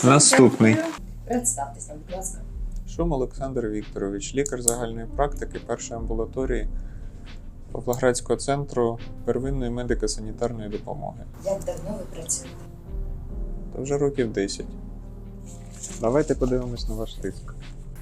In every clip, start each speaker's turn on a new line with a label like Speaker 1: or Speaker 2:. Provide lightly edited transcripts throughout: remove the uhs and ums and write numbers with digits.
Speaker 1: Наступний.
Speaker 2: Представтесь нам, будь ласка.
Speaker 1: Шум Олександр Вікторович, лікар загальної практики першої амбулаторії Павлоградського центру первинної медико-санітарної допомоги.
Speaker 2: Як давно ви працюєте?
Speaker 1: Та вже років 10. Давайте подивимось на ваш тиск.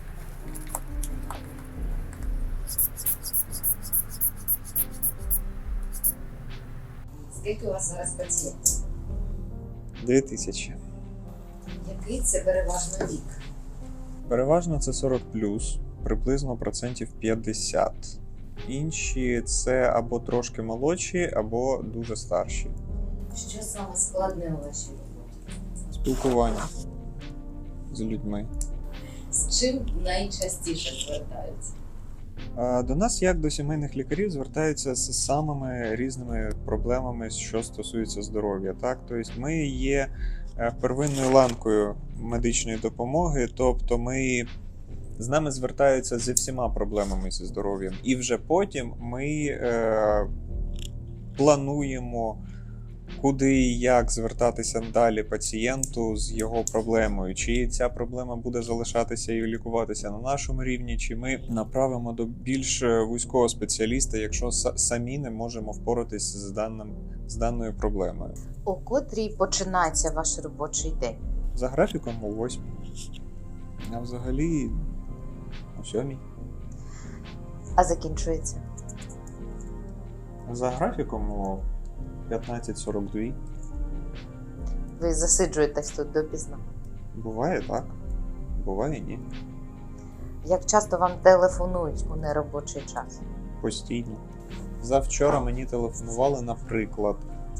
Speaker 2: Скільки у вас зараз пацієнтів?
Speaker 1: 2000.
Speaker 2: Який це переважно вік?
Speaker 1: Переважно це 40+, приблизно процентів 50. Інші це або трошки молодші, або дуже старші.
Speaker 2: Що саме складне у вашій роботі?
Speaker 1: Спілкування з людьми.
Speaker 2: З чим найчастіше звертаються?
Speaker 1: До нас, як до сімейних лікарів, звертаються з самими різними проблемами, що стосуються здоров'я. Так? Тобто ми є первинною ланкою медичної допомоги, тобто з нами звертаються зі всіма проблемами зі здоров'ям. І вже потім ми плануємо, куди і як звертатися далі пацієнту з його проблемою. Чи ця проблема буде залишатися і лікуватися на нашому рівні, чи ми направимо до більш вузького спеціаліста, якщо самі не можемо впоратися з даною проблемою.
Speaker 3: У котрій починається ваш робочий день?
Speaker 1: За графіком о 8. А взагалі о 7.
Speaker 3: А закінчується?
Speaker 1: За графіком о 15:42.
Speaker 3: Ви засиджуєтесь тут допізно?
Speaker 1: Буває так, буває ні.
Speaker 3: Як часто вам телефонують у неробочий час?
Speaker 1: Постійно. Завчора мені телефонували, наприклад,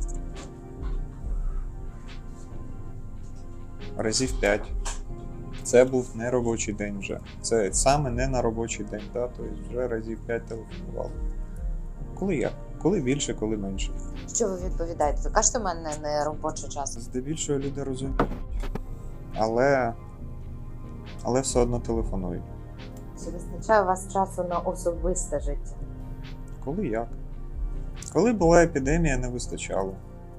Speaker 1: разів 5. Це був не робочий день вже. Це саме не на робочий день, да? Тобто вже разів 5 телефонували. Коли як? Коли більше, коли менше.
Speaker 3: Що ви відповідаєте? Ви кажете, у мене не робочий час.
Speaker 1: Здебільшого люди розуміють. Але все одно телефонують.
Speaker 3: Чи вистачає у вас часу на особисте життя?
Speaker 1: Коли як? Коли була епідемія, не вистачало.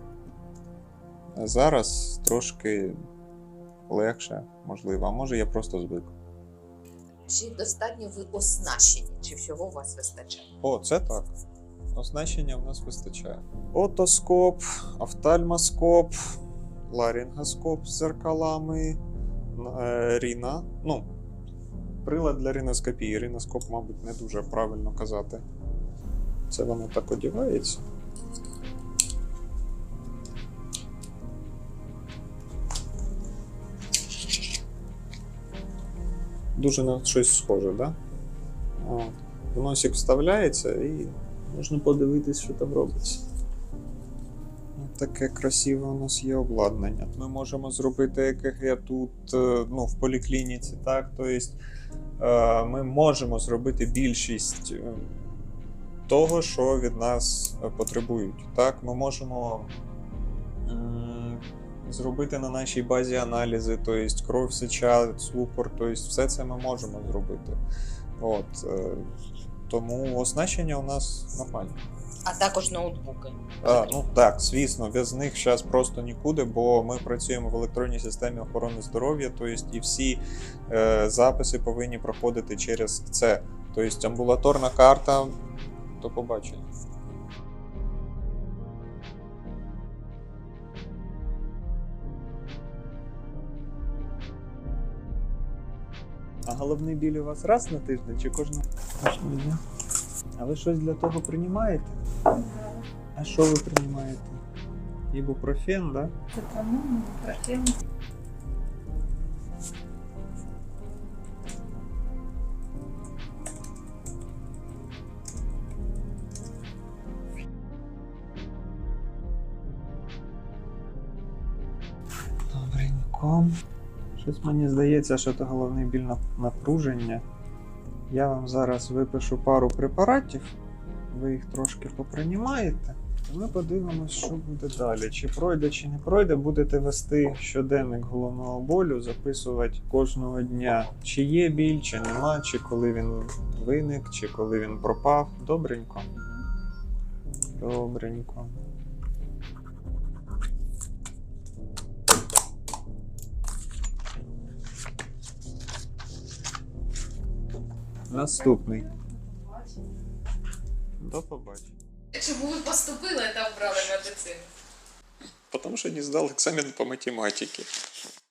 Speaker 1: А зараз трошки легше, можливо. А може я просто звик.
Speaker 2: Чи достатньо ви оснащені? Чи всього у вас вистачає?
Speaker 1: О, це так. Оснащення в нас вистачає. Отоскоп, офтальмоскоп, ларингоскоп з зеркалами, ріна. Прилад для риноскопії. Риноскоп, мабуть, не дуже правильно казати. Це воно так одягається. Дуже на щось схоже, так? Да? В носик вставляється і можна подивитись, що там робиться. Таке красиве у нас є обладнання. Ми можемо зробити ЕКГ тут, в поліклініці, так? Тобто ми можемо зробити більшість того, що від нас потребують. Так? Ми можемо зробити на нашій базі аналізи, тобто кров, сеча, цукор, тобто все це ми можемо зробити. Тому оснащення у нас нормальне.
Speaker 2: А також ноутбуки?
Speaker 1: Так, звісно, без них зараз просто нікуди, бо ми працюємо в електронній системі охорони здоров'я, тобто і всі записи повинні проходити через це. Тобто амбулаторна карта, до побачення. А головний біль у вас раз на тиждень чи кожного дня? А ви щось для того приймаєте? А що ви приймаєте? Ібупрофен, да?
Speaker 2: Ібупрофен.
Speaker 1: Добренько. Щось мені здається, що це головний біль напруження. Я вам зараз випишу пару препаратів, ви їх трошки поприймаєте, і ми подивимось, що буде далі. Чи пройде, чи не пройде, будете вести щоденник головного болю, записувати кожного дня, чи є біль, чи нема, чи коли він виник, чи коли він пропав. Добренько? Добренько. Наступний. До побачення.
Speaker 2: Чому ви поступили та обрали медицину?
Speaker 1: Потому что не сдал экзамен по математике.